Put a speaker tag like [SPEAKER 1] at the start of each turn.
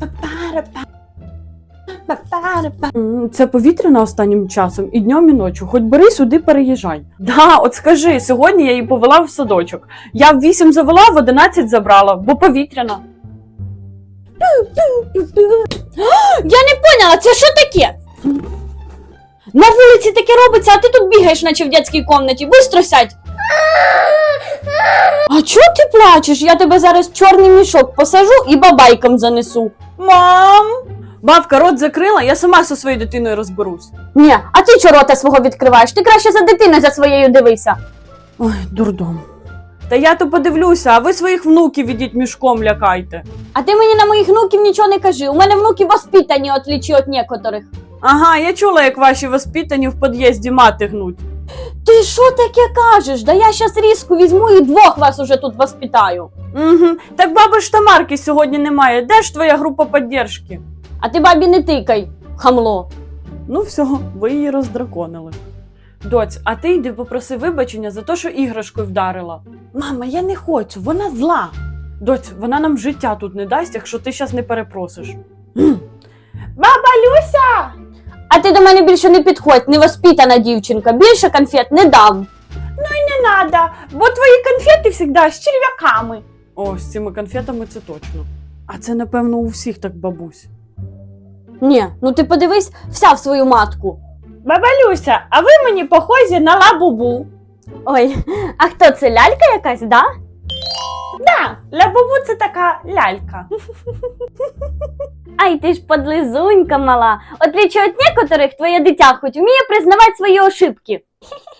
[SPEAKER 1] Це повітряно останнім часом і днем, і ночі. Хоч бери сюди, переїжджай. Да, от скажи, сьогодні я її повела в садочок. Я в 8 завела, в 11 забрала, бо повітряно.
[SPEAKER 2] Я не поняла, це що таке? На вулиці таке робиться, а ти тут бігаєш, наче в дитячій кімнаті. Бистро сядь. А чого ти плачеш? Я тебе зараз в чорний мішок посажу і бабайкам занесу.
[SPEAKER 1] Мам! Бабка рот закрила, я сама зі своєю дитиною розберусь.
[SPEAKER 2] Ні, а ти чого рота свого відкриваєш? Ти краще за дитиною за своєю дивися.
[SPEAKER 1] Ой, дурдом. Та я то подивлюся, а ви своїх внуків ідіть мішком лякайте.
[SPEAKER 2] А ти мені на моїх внуків нічого не кажи. У мене внуки воспитані, отличі від некоторих.
[SPEAKER 1] Ага, я чула, як ваші воспитані в під'їзді мати гнуть.
[SPEAKER 2] Ти що таке кажеш? Да я щас різку візьму і двох вас уже тут воспитаю.
[SPEAKER 1] Угу. Так баби ж Тамарки сьогодні немає. Де ж твоя група підтримки?
[SPEAKER 2] А ти бабі не тикай, хамло.
[SPEAKER 1] Ну все, ви її роздраконили. Доць, а ти йди попроси вибачення за те, що іграшкою вдарила. Мама, я не хочу, вона зла. Доць, вона нам життя тут не дасть, якщо ти зараз не перепросиш. Баба Люся!
[SPEAKER 2] А ти до мене більше не підходь, невоспитана дівчинка. Більше конфет не дам.
[SPEAKER 1] Не надо, бо твої конфети завжди з черв'яками. О, з цими конфетами це точно. А це, напевно, у всіх так, бабусь.
[SPEAKER 2] Ні, ну ти подивись вся в свою матку.
[SPEAKER 1] Баба Люся, а ви мені похожі на Лабубу.
[SPEAKER 2] Ой, а хто це, лялька якась, да?
[SPEAKER 1] Да, Лабубу це така лялька.
[SPEAKER 2] Ай, ти ж подлизунька мала. Отличие від некоторих, твоє дитя хоч вміє признавати свої ошибки.